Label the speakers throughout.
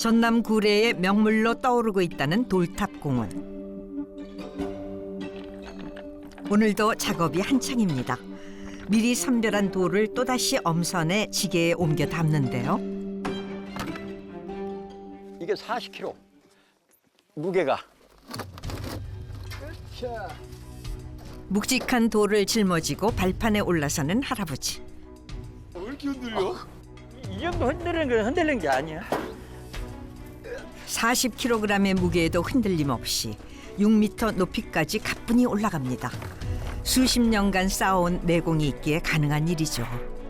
Speaker 1: 전남 구례의 명물로 떠오르고 있다는 돌탑공원. 오늘도 작업이 한창입니다. 미리 선별한 돌을 또다시 엄선해 지게에 옮겨 담는데요.
Speaker 2: 이게 40kg 무게가.
Speaker 1: 묵직한 돌을 짊어지고 발판에 올라서는 할아버지.
Speaker 3: 왜 이렇게 흔들려?
Speaker 2: 이 정도 흔들리는 게 아니야.
Speaker 1: 40kg의 무게에도 흔들림 없이 6m 높이까지 가뿐히 올라갑니다. 수십 년간 쌓아온 내공이 있기에 가능한 일이죠.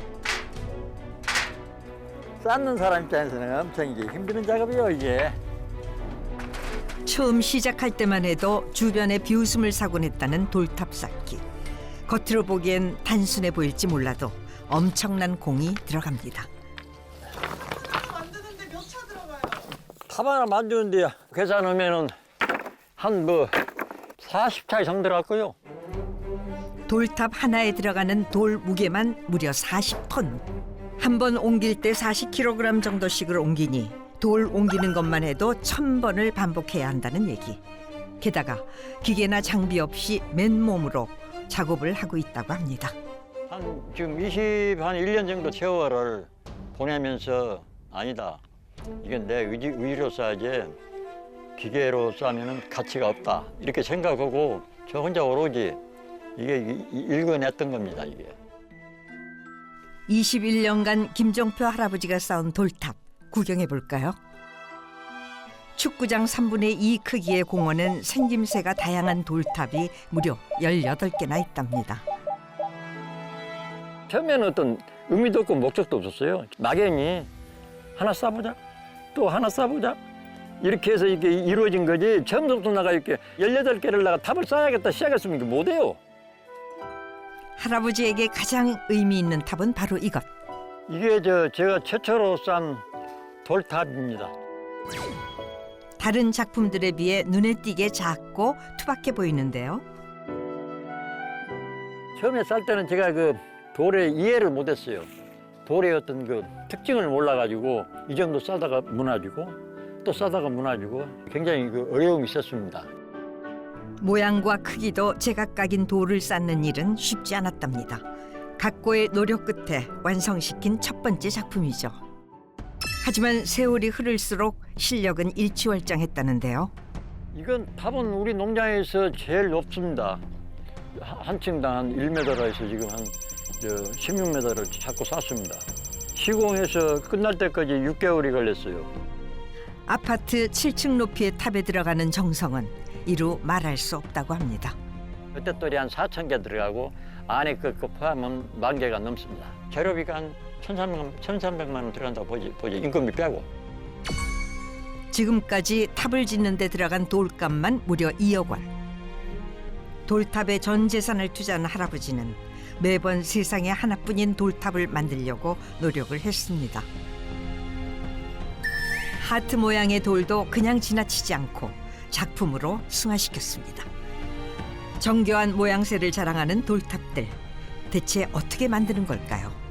Speaker 2: 쌓는 사람 입장에서는 엄청 이게 힘드는 작업이에요, 이게.
Speaker 1: 처음 시작할 때만 해도 주변에 비웃음을 사곤 했다는 돌탑 쌓기. 겉으로 보기엔 단순해 보일지 몰라도 엄청난 공이 들어갑니다.
Speaker 4: 만드는데 몇 차 들어가요?
Speaker 2: 탑 하나 만드는데 계산하면은 한 40차 이상 들어갈 거요.
Speaker 1: 돌탑 하나에 들어가는 돌 무게만 무려 40톤. 한 번 옮길 때 40kg 정도씩을 옮기니 돌 옮기는 것만 해도 1000번을 반복해야 한다는 얘기. 게다가 기계나 장비 없이 맨몸으로 작업을 하고 있다고 합니다.
Speaker 2: 지금 1년 정도 세월을 보내면서 아니다. 이건 내 의지로 써야지 기계로 싸면은 가치가 없다. 이렇게 생각하고 저 혼자 오로지 이게 읽어냈던 겁니다, 이게.
Speaker 1: 21년간 김종표 할아버지가 쌓은 돌탑 구경해 볼까요? 축구장 3분의 2 크기의 공원엔 생김새가 다양한 돌탑이 무려 18개나 있답니다.
Speaker 2: 처음에는 어떤 의미도 없고 목적도 없었어요. 막연히 하나 쌓아보자, 또 하나 쌓아보자. 이렇게 해서 이게 이루어진 거지. 처음부터 나가 이렇게 18개를 나가 탑을 쌓아야겠다 시작했으면 이게 못해요.
Speaker 1: 할아버지에게 가장 의미 있는 탑은 바로 이것.
Speaker 2: 이게 제가 최초로 쌓은 돌탑입니다.
Speaker 1: 다른 작품들에 비해 눈에 띄게 작고 투박해 보이는데요.
Speaker 2: 처음에 쌓을 때는 제가 그 돌의 이해를 못했어요. 돌의 어떤 그 특징을 몰라가지고 이 정도 싸다가 무너지고 또 싸다가 무너지고 굉장히 그 어려움이 있었습니다.
Speaker 1: 모양과 크기도 제각각인 돌을 쌓는 일은 쉽지 않았답니다. 각고의 노력 끝에 완성시킨 첫 번째 작품이죠. 하지만 세월이 흐를수록 실력은 일취월장했다는데요.
Speaker 2: 이건 탑은 우리 농장에서 제일 높습니다. 한 층당 한 1m라 해서 지금 한 16m를 자꾸 쌓습니다. 시공해서 끝날 때까지 6개월이 걸렸어요.
Speaker 1: 아파트 7층 높이의 탑에 들어가는 정성은 이루 말할 수 없다고 합니다.
Speaker 2: 옅떨이 한 4,000개 들어가고 안에 그 포함은 10,000개가 넘습니다. 재료비가 한 1,300만 원 들어간다고 보지 인건비 빼고.
Speaker 1: 지금까지 탑을 짓는 데 들어간 돌값만 무려 2억 원. 돌탑에 전 재산을 투자한 할아버지는 매번 세상에 하나뿐인 돌탑을 만들려고 노력을 했습니다. 하트 모양의 돌도 그냥 지나치지 않고 작품으로 승화시켰습니다. 정교한 모양새를 자랑하는 돌탑들. 대체 어떻게 만드는 걸까요?